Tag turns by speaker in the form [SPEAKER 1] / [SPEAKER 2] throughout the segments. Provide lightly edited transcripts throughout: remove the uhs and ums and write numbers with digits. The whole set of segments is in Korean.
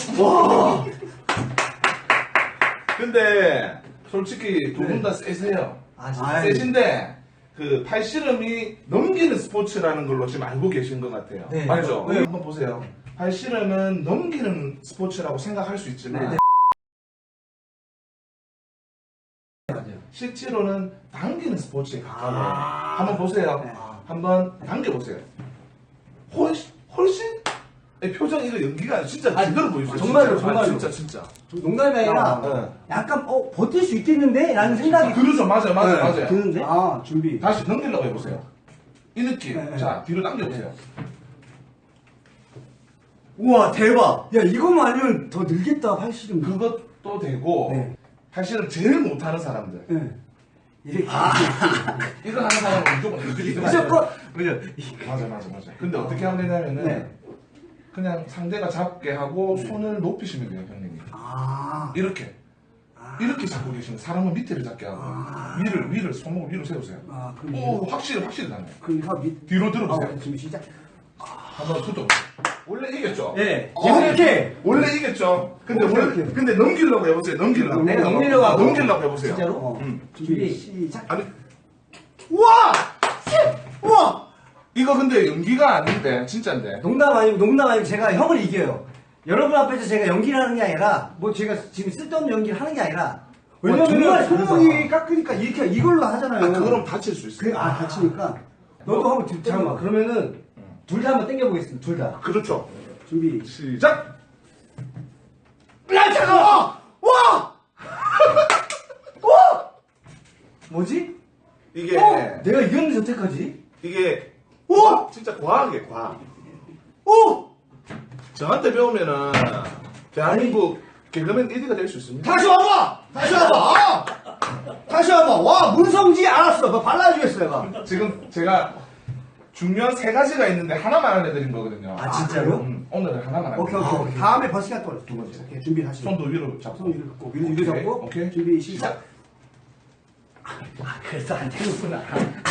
[SPEAKER 1] 와.
[SPEAKER 2] 근데 솔직히 두 분 다 세세요.
[SPEAKER 1] 아, 진짜.
[SPEAKER 2] 세신데 그 팔씨름이 넘기는 스포츠라는 걸로 지금 알고 계신 것 같아요.
[SPEAKER 1] 네.
[SPEAKER 2] 맞죠?
[SPEAKER 1] 네.
[SPEAKER 2] 한번 보세요. 팔씨름은 넘기는 스포츠라고 생각할 수 있지만
[SPEAKER 1] 네.
[SPEAKER 2] 실제로는 당기는 스포츠에 가까워요.
[SPEAKER 1] 아.
[SPEAKER 2] 한번 보세요.
[SPEAKER 1] 네.
[SPEAKER 2] 한번 당겨보세요. 훨씬 표정 이거 연기가 아니라 진짜 제대로 보여주세요.
[SPEAKER 1] 정말로,
[SPEAKER 2] 진짜.
[SPEAKER 1] 정말로.
[SPEAKER 2] 진짜.
[SPEAKER 1] 농담이 아니라
[SPEAKER 2] 네.
[SPEAKER 1] 약간 버틸 수 있겠는데? 라는 생각이
[SPEAKER 2] 그렇죠. 맞아요.
[SPEAKER 1] 드는데? 아, 준비.
[SPEAKER 2] 다시 넘기려고 해보세요. 이 느낌.
[SPEAKER 1] 네.
[SPEAKER 2] 자, 뒤로 당겨보세요.
[SPEAKER 1] 우와, 대박. 야, 이거만 아니면 더 늘겠다, 팔씨름.
[SPEAKER 2] 그것도 되고
[SPEAKER 1] 네.
[SPEAKER 2] 사실은 제일 못하는 사람들
[SPEAKER 1] 네. 이렇게.
[SPEAKER 2] 이거 하는 사람은 무조건 이렇게
[SPEAKER 1] 무조건. 그죠?
[SPEAKER 2] 맞아. 근데 어떻게 하면 되냐면은
[SPEAKER 1] 네.
[SPEAKER 2] 그냥 상대가 잡게 하고 손을 높이시면 돼요, 형님이.
[SPEAKER 1] 아.
[SPEAKER 2] 이렇게 잡고 계시면 사람은 밑에를 잡게 하고 위를 손목을 위로 세우세요.
[SPEAKER 1] 아, 그럼.
[SPEAKER 2] 오, 확실히 나네요.
[SPEAKER 1] 그럼
[SPEAKER 2] 뒤로 들어보세요.
[SPEAKER 1] 준비 시작.
[SPEAKER 2] 한번 손톱. 원래 이겼죠?
[SPEAKER 1] 네. 이렇게.
[SPEAKER 2] 원래 이겼죠? 근데
[SPEAKER 1] 이렇게.
[SPEAKER 2] 근데 넘기려고 해보세요. 넘기려고.
[SPEAKER 1] 내가 넘기려고 하고.
[SPEAKER 2] 넘기려고 해보세요.
[SPEAKER 1] 진짜로? 준비 시작.
[SPEAKER 2] 아니,
[SPEAKER 1] 우와! 우와!
[SPEAKER 2] 이거 근데 연기가 아닌데, 진짜인데.
[SPEAKER 1] 농담 아니고 제가 형을 이겨요. 여러분 앞에서 제가 연기를 하는 게 아니라 뭐 제가 지금 쓸데없는 연기를 하는 게 아니라 왜냐면
[SPEAKER 2] 정말
[SPEAKER 1] 손목이 깎으니까 이렇게 이걸로 하잖아요.
[SPEAKER 2] 아, 그럼 다칠 수 있어요.
[SPEAKER 1] 다치니까 너도 한번 잠깐만 그러면은 둘 다 한번 당겨보겠습니다. 둘 다.
[SPEAKER 2] 그렇죠.
[SPEAKER 1] 준비.
[SPEAKER 2] 시작!
[SPEAKER 1] 야 잠깐만! 와! 와! 뭐지?
[SPEAKER 2] 이게,
[SPEAKER 1] 내가 이겼는데 여태까지?
[SPEAKER 2] 이게,
[SPEAKER 1] 오!
[SPEAKER 2] 진짜 과학이에요, 과학.
[SPEAKER 1] 오!
[SPEAKER 2] 저한테 배우면은, 대한민국 개그맨 1위가 될 수 있습니다.
[SPEAKER 1] 다시 와봐! 다시 와봐! 와, 문성지 알았어. 너 발라주겠어요, 가.
[SPEAKER 2] 지금 제가 중요한 세 가지가 있는데 하나만 알려드린 거거든요.
[SPEAKER 1] 아, 진짜요?
[SPEAKER 2] 오늘은 하나만 알려드린
[SPEAKER 1] 오케이. 다음에 버스가 또 두 번째. 오케이, 준비 다시.
[SPEAKER 2] 손도 위로 잡고.
[SPEAKER 1] 손 위로 꼭 위로 잡고.
[SPEAKER 2] 오케이.
[SPEAKER 1] 준비 시작. 그래서 안 되는구나.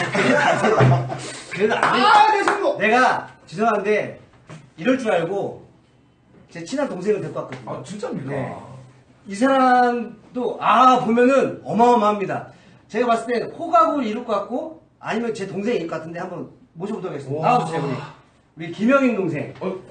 [SPEAKER 1] 그래도 안 돼. 내 손목! 내가, 죄송한데, 이럴 줄 알고, 제 친한 동생을 데리고 왔거든요.
[SPEAKER 2] 아, 진짜입니까?
[SPEAKER 1] 네. 이 사람도, 보면은 어마어마합니다. 제가 봤을 때 호각을 이룰 것 같고, 아니면 제 동생이 이룰 것 같은데 한번 모셔보도록 하겠습니다.
[SPEAKER 2] 와.
[SPEAKER 1] 나와주세요, 우리 김영인 동생.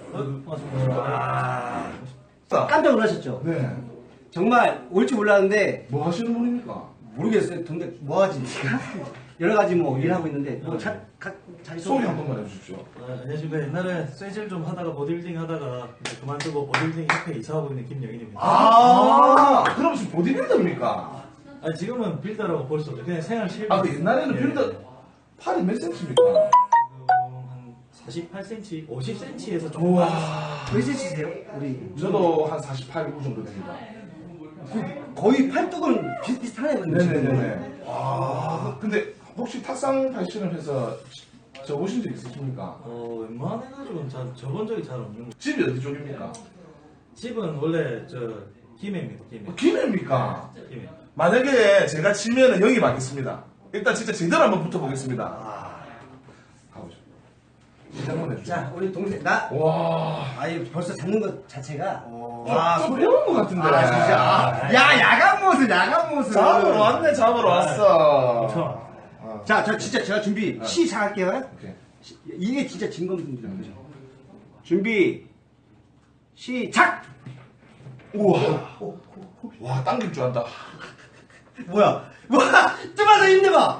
[SPEAKER 1] 깜짝 놀라셨죠?
[SPEAKER 2] 네.
[SPEAKER 1] 정말 올 줄 몰랐는데,
[SPEAKER 2] 뭐 하시는 분입니까?
[SPEAKER 1] 모르겠어요. 동생 뭐 하지? 여러 가지 뭐 일하고 있는데 뭐 자기
[SPEAKER 2] 소개 한 번만 해주십시오.
[SPEAKER 3] 안녕하십니까. 옛날에 쇠질 좀 하다가 보디빌딩 하다가 이제 그만두고 보디빌딩 협회 이사하고 있는 김영인입니다.
[SPEAKER 2] 그럼 지금 보디빌더입니까?
[SPEAKER 3] 지금은 빌더라고 볼 수 없죠. 그냥 생활 실버.
[SPEAKER 2] 그 옛날에는
[SPEAKER 3] 예.
[SPEAKER 2] 빌더 팔이 몇 센치입니까?
[SPEAKER 3] 지금 한 48cm, 50cm에서 조금
[SPEAKER 2] 우와.
[SPEAKER 1] 몇 cm세요? 우리
[SPEAKER 2] 저도 한 48, 9 정도 됩니다.
[SPEAKER 1] 거의 팔뚝은 비슷비슷하네요.
[SPEAKER 2] 네네네. 근데 혹시 탁상 발신을 접으신 적 있으십니까?
[SPEAKER 3] 웬만해가지고는 저번 적이 잘 없는 거.
[SPEAKER 2] 집이 어디 쪽입니까?
[SPEAKER 3] 집은 원래 김해입니다.
[SPEAKER 2] 김해입니까?
[SPEAKER 3] 김해.
[SPEAKER 2] 만약에 제가 지면은 영입하겠습니다. 일단 진짜 제대로 한번 붙어보겠습니다. 가보죠. 시작 한번 해주세요.
[SPEAKER 1] 자, 우리 동생
[SPEAKER 2] 와.
[SPEAKER 1] 벌써 잡는 것 자체가
[SPEAKER 2] 좀 배운 것 같은데.
[SPEAKER 1] 진짜. 야, 야간 모습.
[SPEAKER 2] 잡으러 왔네, 잡으러 왔어.
[SPEAKER 3] 그렇죠.
[SPEAKER 1] 자, 진짜 제가 준비 시작할게요.
[SPEAKER 2] 오케이.
[SPEAKER 1] 이게 진짜 진검승부죠. 준비 시작.
[SPEAKER 2] 우와. 와, 당길 줄 안다.
[SPEAKER 1] 뭐야? 뜨면서 힘내봐.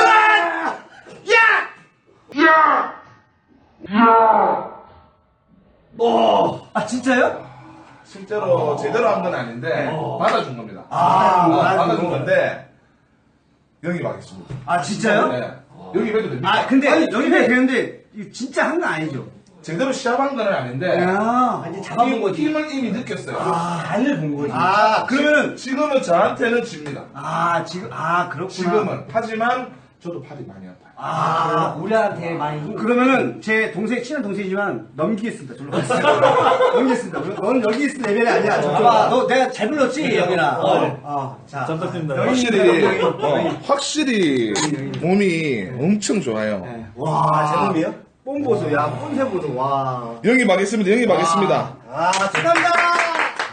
[SPEAKER 1] 진짜요?
[SPEAKER 2] 실제로 제대로 한 건 아닌데, 받아준 겁니다.
[SPEAKER 1] 받아준
[SPEAKER 2] 받아준 건데, 영입하겠습니다.
[SPEAKER 1] 진짜요?
[SPEAKER 2] 네. 영입해도 됩니다.
[SPEAKER 1] 근데 여기가 되는데 이거 진짜 한 건 아니죠?
[SPEAKER 2] 제대로 시합한 건 아닌데,
[SPEAKER 1] 이제 잡아본 거지.
[SPEAKER 2] 힘을 이미 느꼈어요.
[SPEAKER 1] 간을 본 거지. 그러면
[SPEAKER 2] 지금은 저한테는 집니다.
[SPEAKER 1] 그렇구나.
[SPEAKER 2] 지금은. 하지만, 저도 팔이 많이 아파요.
[SPEAKER 1] 우리한테 많이 그러면은 제 동생 친한 동생이지만 넘기겠습니다. 절로 가세요. 넘기겠습니다. 너는 여기 있을 레벨이 아니야. 너 내가 잘 불렀지 영이나. 자,
[SPEAKER 3] 잘 부탁드립니다.
[SPEAKER 2] 확실히 몸이 엄청 좋아요.
[SPEAKER 1] 제 몸이요? 뽐 보소, 뽐새 보소, 와.
[SPEAKER 2] 영입하겠습니다.
[SPEAKER 1] 축하합니다.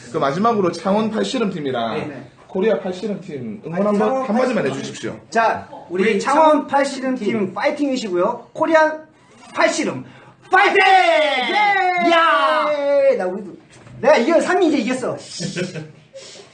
[SPEAKER 2] 그 마지막으로 창원 팔씨름팀이랑
[SPEAKER 1] 네.
[SPEAKER 2] 코리아 팔씨름팀 응원 한번 한마디만 해주십시오.
[SPEAKER 1] 자, 우리 창원 팔씨름팀 파이팅이시고요. 코리안 팔씨름 파이팅! 야! 나 우리도 내가 이겨 3위 이제 이겼어.